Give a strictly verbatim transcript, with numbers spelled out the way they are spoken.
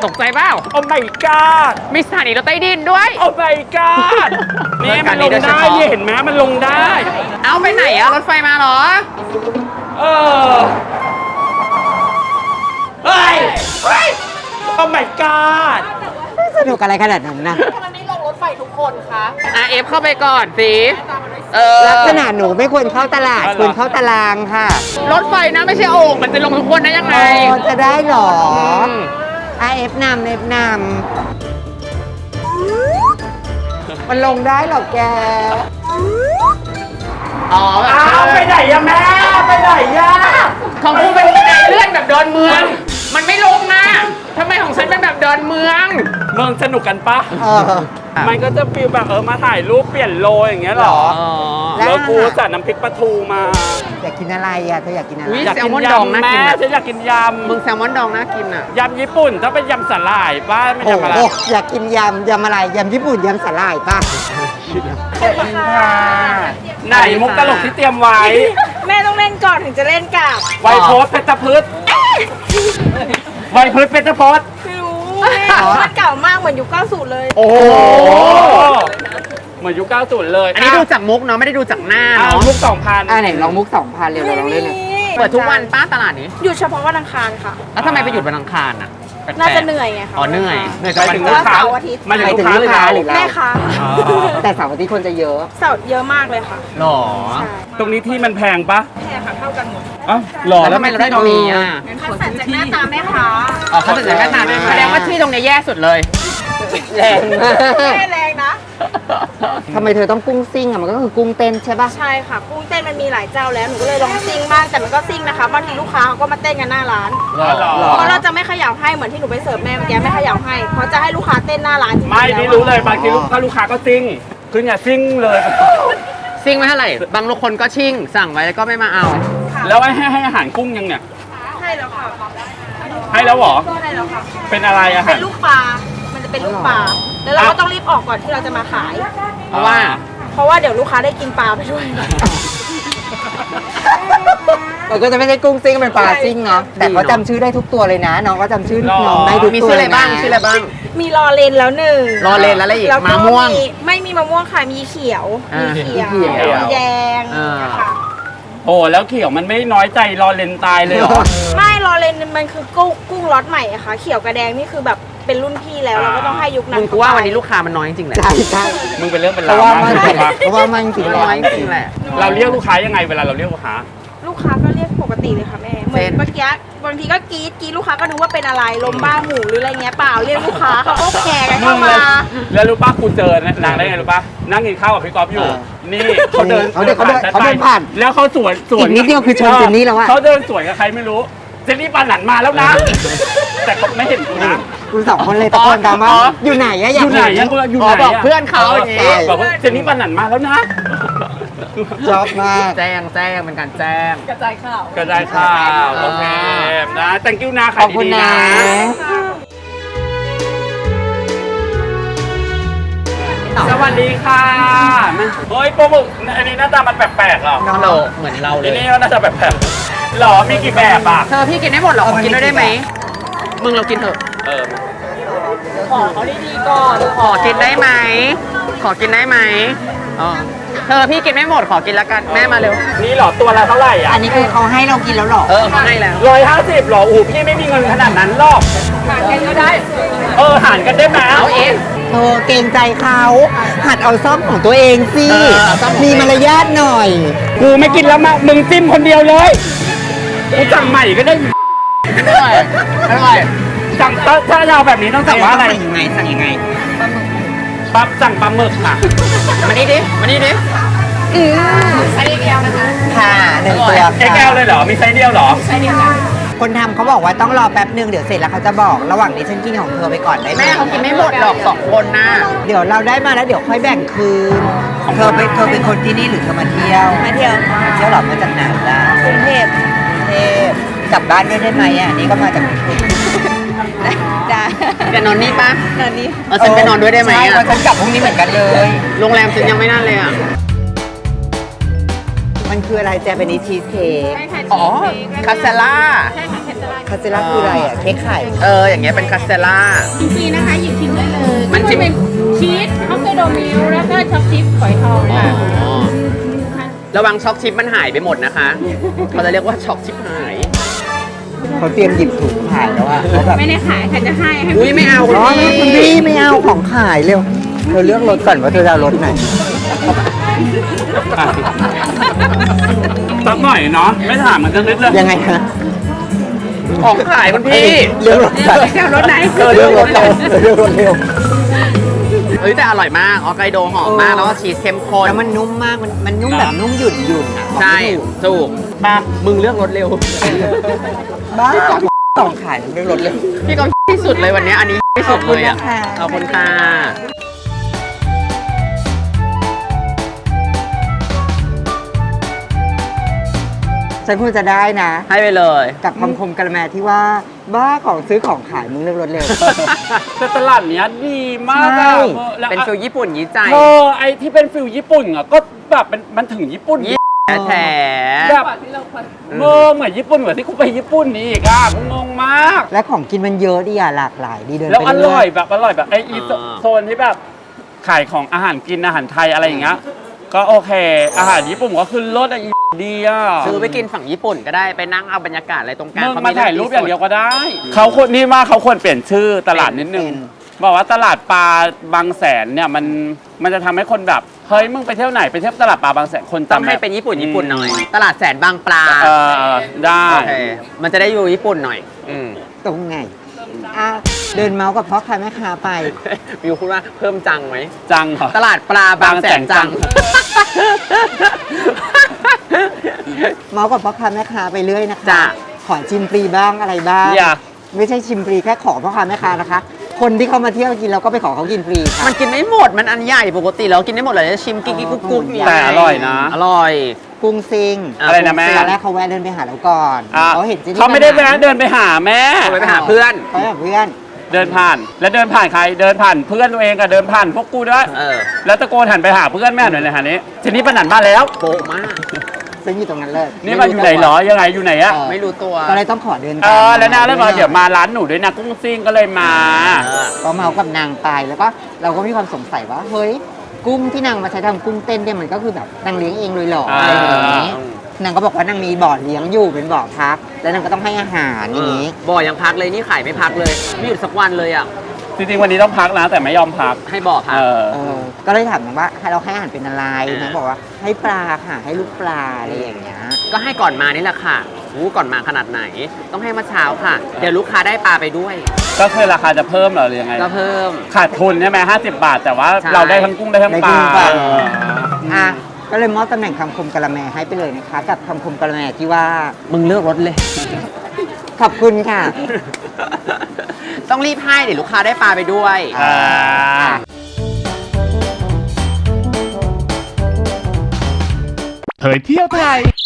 ตกใจเปล่าโอ้ my god มีสถานีรถใต้ดินด้วยโอ้ my god นี่มันลงได้เนี่ยเห็นไหมมันลงได้เอาไปไหนอะรถไฟมาเหรอเออเฮ้ยเฮ้ยโอ้ my god สนุกอะไรขนาดนั้นนะทำไมไม่ลงรถไฟทุกคนคะอ่ะเอฟเข้าไปก่อนสิเออลักษณะหนูไม่ควรเข้าตลาด ควรเข้าตารางค่ะรถไฟนะไม่ใช่โอ่งมันจะลงทุกคนได้ยังไงอ๋อจะได้เหรอมอ่ะเอฟนำเอฟนำมันลงได้เหรอแกอ๋อแบบอ้าวไปไหนอะแม่ไปไหนอะของกูเป็นบันไดเลื่อนแบบเดินเมือง มันไม่ลงนะทำไมของฉันเป็นแบบเดินเมืองเมืองสนุกกันปะเออมันก็จะฟีลแบบเออมาถ่ายรูปเปลี่ยนโลอย่างเงี้ยเหรออ๋อแล้วแล้วกูจัดน้ำพริกปลาทูมาอยากกินอะไรอ่ะเธออยากกินอะไรอุ๊ยอยากแซกิลมอนยดองน่าำกิแม่นอะฉันอยากกินยมึงแซลมอนดองน่ากินอ่ะำยำญี่ปุ่นต้องเป็นยำสาหร่ายป้าไม่โอ้ยำอะไรโหอยากกินยำยำอะไรยำญี่ปุ่นยำสาหร่ายป่ะไหนมุกตลกที่เตรียมไว้แม่ต้องเล่นก่อนถึงจะเล่นกับไวโพสเพชรพืชไวโพสเพชรพศไม่รู้แม่มันเก่ามากเหมือนยุคเก้าสิบเลยโอ้โหเหมือนยุคเก้าสิบเลยอันนี้ดูจากมุกเนาะไม่ได้ดูจากหน้าอ่ะเนาะมุกสองพันอ่าไหนลองมุกสองพันเร็วเราลองเล่นหน่อยเปิดทุกวันป้าตลาดนี้หยุดเฉพาะวันอังคารค่ะแล้วทำไมไปหยุดวันอังคารอ่ะแปลกๆน่าจะเหนื่อยไงคะอ๋อเหนื่อยเหนื่อยไปจากวันถึงหยุลูดกค้าเสาร์อาทิตย์มาถึงลูกค้าหรือเราหรือเราแม่คะอ๋อแต่เสาร์อาทิตย์คนจะเยอะเสาร์เยอะมากเลยค่ะหรอใช่ตรงนี้ที่มันแพงปะแพงค่ะเท่ากันหมดอ๋อหล่อแล้แล้ว วทำไมเราได้ตรงนี้อ่ะคัดสรรจากหน้าตาแม่ค้าอ๋อเขาจะจัดการนานแสดงว่าที่ตรงเนี้ยแย่สุดเลยแรงมากไม่แรงนะทำไมเธอต้องกุ้งซิ่งอ่ะมันก็คือกุ้งเต้นใช่ป่ะใช่ค่ะกุ้งเต้นมันมีหลายเจ้าแล้วหนูก็เลยลองซิ่งบ้างแต่มันก็ซิ่งนะคะบางทีลูกค้าเขาก็มาเต้นกันหน้าร้านหล่อหล่อเพราะเราจะไม่เขย่าให้เหมือนที่หนูไปเสิร์ฟแม่เมื่อกี้ไม่เขย่าให้เพราะจะให้ลูกค้าเต้นหน้าร้านจริงๆไม่แล้วนี่รู้เลยบางทีลูกค้าลูกค้าก็ซิ่งคืออย่าซิ่งเลยซิ่งไม่เท่าไหร่ บางคนก็ชิ่ง สั่งไว้แล้วก็ไม่มาเอาแล้วให้ให้อาหารกุ้งยังเนี่ยให้แล้วค่ะให้แล้วเหรอให้แล้วค่ะเป็นอะไรอาหาเป็รนลูกปลา มันจะเป็นลูกปลา แล้วเราก็ต้องรีบออกก่อนที่เราจะมาขายเพราะว่าเพราะว่าเดี๋ยวลูกค้าได้กินปลาไปด้วยมันก็จะไม่ใช่กุ้งซิ่งเป็นปลาซิ่งเนาะแต่เขาจำชื่อได้ทุกตัวเลยนะ น้องก็จำชื่อน้องได้ทุกมีตัวชื่ออะไรเลยนะบ้างชื่ออะไรบ้างมีรอเลนแล้วหนึ่งรอเลนแล้วอะไรอีกแล้วก็มะม่วงไม่มีมะม่วงค่ะ มีเขียวอ่ามีเขียวมีเขียวมีแดงอ่าค่ะโอ้แล้วเขียวมันไม่น้อยใจรอเลนตายเลยเหรอไม่รอเลนมันคือกุ้งกุ้งล็อตใหม่อะค่ะ เขียวกับแดงนี่คือแบบเป็นรุ่นพี่แล้วเราก็ต้องให้ยุคนั้นมึงกูว่าวันนี้ลูกค้ามันน้อยจริงๆแหละใช่ใช่มึงเป็นเรื่องเป็นเพราวราะว่ามันมากเลยปะเพราะว่ามันจริงมันๆน้อยจริงๆแหละเราเรียกลูกค้ายังไงเวลาเราเรียกลูกค้าลูกค้าก็เรียกปกติเลยค่ะแม่ เหมือเช่นนเมื่อกี้บางทีก็กรี๊ดกรี๊ดลูกค้าก็นึกว่าเป็นอะไรลมบ้าหมูหรืออะไรเงี้ยเปล่าเรียกลูกค้าเขาก็แขกกันเข้ามาแล้วรู้ป่ะกูเจอนางได้ไงรู้ป่ะนั่งกินข้าวกับพี่ก๊อฟอยู่ นี่เขาเดินเขาเดินเขาเดินเขาเดินผ่านแล้วเขาสวนสวนอีกนิดเดียวคือชนเจนนี่แล้วอะเขาเดินสวนกับใครไม่รู้เจนนี่ปานหลันมาแล้วนะ แต่เขาไม่เห็นกูนะคุณสองคนเลยตะโกนตามว่าอ๋ออยู่ไหนอะออยากยู่ไหนเห็ยังอยู่อ๋ไหอน บอกอะเพื่อนเขาอย่างงี้ใช่บอกว่าเจนนี่ปานหลันมาแล้วนะชอบมากแจ้งแจ้งเป็นการแจ้งกระจายข่าวก็ได้ข่าวโอเคนะ thank you นะขขายอบคุณดีๆนะนะ สวัสดีค่ะเฮ้ยปลาหมึกอันนี้หน้าตามันแปลกๆเหรอน้องเราเหมือนเราเลอันยนี้ก็น่าจะแปลกๆหรอมีกี่แบบอ่ะเธอพี่กินได้หมดเหรอขอกินด้วยได้ไหม มึงเรากินเถอะเออขอเขาดีๆก่อนขอกินได้ไหม ขอกินได้ไหมอ๋อเธอพี่กินไม่หมดขอกินแล้วกัน แม่มาเร็วนี่เหรอตัวละเท่าไหร่อ่ะอันนี้คือเขาให้เรากินแล้วเหรอเออเขาให้แล้วร้อยห้าสิบหรออูพี่ไม่มีเงินขนาดนั้นหรอกหากันก็ได้เออหารกันได้ไหมเอาเองเธอเกรงใจเขาหัดเอาซ่อมของตัวเองสิเออเอาซ่อมของตัวเองมีมารยาทหน่อยกูไม่กินแล้วมามึงจิ้มคนเดียวเลยกูสั่งใหม่ก็ได้อร่อยอร่อยสั่งถ้าถ้าเราแบบนี้ต้องสั่งว่าอะไรสั่งยังไงสั่งยังไงปั๊บสั่งปลาหมึกค่ะมานี่ดิ มานี่ดิอืมอันนี้แก้วนะคะค่ะหนึ่งตัวเอ็กแอลเลยเหรอมีไซส์เดียวเหรอคนทำเขาบอกว่าต้องรอแป๊บหนึ่งเดี๋ยวเสร็จแล้วเขาจะบอกระหว่างนี้ฉันกินของเธอไปก่อนได้ไหมแม่เขากินไม่หมดหรอกสองคนนะเดี๋ยวเราได้มาแล้วเดี๋ยวค่อยแบ่งคืนเธอเป็นเธอเป็นคนที่นี่หรือเธอมาเที่ยวมาเที่ยวเที่ยวหรอมาจากไหนล่ะกรุงเทพกรุงเทพกลับบ้านด้วยได้ไหมอ่ะอันนี่ก็มาจากกรุงเทพจ้าจะนอนนี่ปะตอนนี้เออฉันไปนอนด้วยได้ไหมใช่อ่ะเพราะฉันกลับพรุ่งนี้เหมือนกันเลยโรงแรมฉันยังไม่นั่นเลยอ่ะมันคืออะไรแจเป็นชีสเค้กอ๋อ คาเซล่าใช่ค่ะแคสเซล่าคาเซล่าคืออะไรอ่ะเค้กไข่เอออย่างเงี้ยเป็นคาสเซล่าฟรีนะคะหยิบชิมได้เลยมันชิมเป็นชีสฮอกไกโดมิลแล้วก็ช็อกชิปฝอยทองอ๋อค่ะระวังช็อกชิปมันหายไปหมดนะคะเขาจะเรียกว่าช็อกชิปหายเขาเตรียมหยิบถุงขายแล้วอ่ะเขาแบบไม่ได้ขายค่ะจะให้ให้อุ้ยไม่เอาคุณอ๋อพี่คุณพี่ไม่เอาของขายเร็วเธอเลือกรถก่อนว่าเธอจะเอารถไหนสักหน่อยเนาะไม่ถามมันจะนิดเลยยังไงคะของขายคุณพี่เลือกรถก่อนจะเอารถไหนเธอเลือกรถก่อนเธอเลือกรถเร็วเฮ้ยแต่อร่อยมากออไกโดหอมมากแล้วก็ชีสเข้มข้นแล้วมันนุ่มมากมันมันนุ่มแบบนุ่มหยุ่นหยุ่นๆอ่ะใช่ถูกมามึงเลือกรถเร็วบ้าของขายเลือกรถเร็วพี่ก็ที่สุดเลยวันนี้อันนี้ที่สุดเลยอ่ะขอบคุณนะคะขอบคุณค่ะฉันควรจะได้นะให้ไปเลยกับคำคมกระแมที่ว่าบ้าของซื้อของขายมึงเลือกรถเร็วแต่ตลาดเนี้ยดีมากใช่อะแล้วเป็นฟิลญี่ปุ่นยี่ใจเธอไอที่เป็นฟิลญี่ปุ่นอ่ะก็แบบมันมันถึงญี่ปุ่นยี่แท้แบบเมื่อเหมือนญี่ปุ่นเหมือนที่กูไปญี่ปุ่นนี่อีกอ่ะกูงงมากและของกินมันเยอะดีอ่ะหลากหลายดีเดินแล้วไปอเรื่ร่ออย ยแบบอร่อยแบบไออีโซโซนที่แบบขายของอาหารกินอาหารไทยอะไรอย่างเงี้ยก็โอเค อาหารญี่ปุ่นก็คือรสอะอีดีอ่ะซื้อไปกินฝั่งญี่ปุ่นก็ได้ไปนั่งเอาบรรยากาศอะไรตรงกลางมึงเขมาถ่ายรูปอย่างเดียวก็ได้เขาเขาควรนี่ว่าเขาควรเปลี่ยนชื่อตลาดนิดนึงบอกว่าตลาดปลาบางแสนเนี่ยมันมันจะทำให้คนแบบเฮ้ยมึงไปเที่ยวไหนไปเที่ยวตลาดปลาบางแสนคนต้องจำให้แบบเป็นญี่ปุ่นญี่ปุ่นหน่อย ตลาดแสนบางปลาเออได้โอเคมันจะได้อยู่ญี่ปุ่นหน่อย อืมตรงไงอ่ะเดินเมาส์กับพ่อค้าแม่ค้าไปมิวพูดว่าเพิ่มจังไหมจังเหรอตลาดปลาบางแสนจังเมาส์กับพ่อค้าแม่ค้าไปเรื่อยนะคะจ้ะขอชิมฟรีบ้างอะไรบ้างอย่าไม่ใช่ชิมฟรีแค่ขอพ่อค้าแม่ค้านะคะ คนที่เขามาเที่ยวกินเราก็ไปขอเขากินฟรีค่ะมันกินไม่หมดมันอันใหญ่ปกติเรากินได้หมดเลยจะชิมกิ๊กกิ๊กกุ๊กกุ๊กเนี่ยแต่อร่อยนะอร่อยกุ้งซิงอะไรนะแม่ตอนแรกเขาแวะเดินไปหาเราก่อนอ่ะเขาเห็นจนเขาไม่ได้แวะเดินไปหาแม่เขาไปหาเพื่อนเขาไปหาเพื่อนเดินผ่าน แล้วเดินผ่านใครเดินผ่านเพื่อนตัวเองกับเดินผ่านพวกกูด้วยเออแล้วตะโกนหันไปหาเพื่อนแม่หน่อยเลยหานี้ทีนี้ปนันบ้านแล้วโปะมากซึ่งอยู่ตรงนั้นเลยนี่มาอยู่ไหนเหรอยังไงอยู่ไหนอะเออไม่รู้ตัวก็เลยต้องขอเดินเออแล้วนะแล้วมาด้วยเดี๋ยวมาร้านหนูด้วยนะกุ้งซิ่งก็เลยมาเออก็เมากับนางไปแล้วก็เราก็มีความสงสัยว่าเฮ้ยกุ้งที่นางมาใช้ทำกุ้งเต้นเนี่ยมันก็คือแบบนางเลี้ยงเองเลยเหรออะไรอย่างนี้อ่านางก็บอกว่านางมีบ่อเลี้ยงอยู่เป็นบ่อพัก แล้วนางก็ต้องให้อาหารอย่างนี้บ่อยังพักเลยนี่ขายไม่พักเลยไม่หยุดสักวันเลยอ่ะจริงๆวันนี้ต้องพักนะแต่ไม่ยอมพักให้บ่อพัเอก อเออก็เลยถามนางว่าให้เราให้อาหารเป็นอะไรอ่านนางบอกว่าให้ปลาค่ะให้ลูกปลาอะไรอย่างเงี้ยก็ให้ก่อนมานี่แหละค่ะรู้ก่อนมาขนาดไหน ต้องให้มาเช้าค่ะ เดี๋ยวลูกค้าได้ปลาไปด้วยก็คือราคาจะเพิ่มเหรอหรือยังไงก็เพิ่มขาดทุนใช่ไหมห้าสิบบาท แต่ว่าใช่เราได้ทั้งกุ้งได้ทั้งได้ปลากุ้งปลาเอออ่ะก็เลยมอบตำแหน่งคำคมกะละแมให้ไปเลยนะคะ กับคำคมกะละแมที่ว่ามึงเลือกรถเลยขอบคุณค่ะต้องรีบให้เดี๋ยวลูกค้าได้ปลาไปด้วยอ่าเผยเที่ยวไทย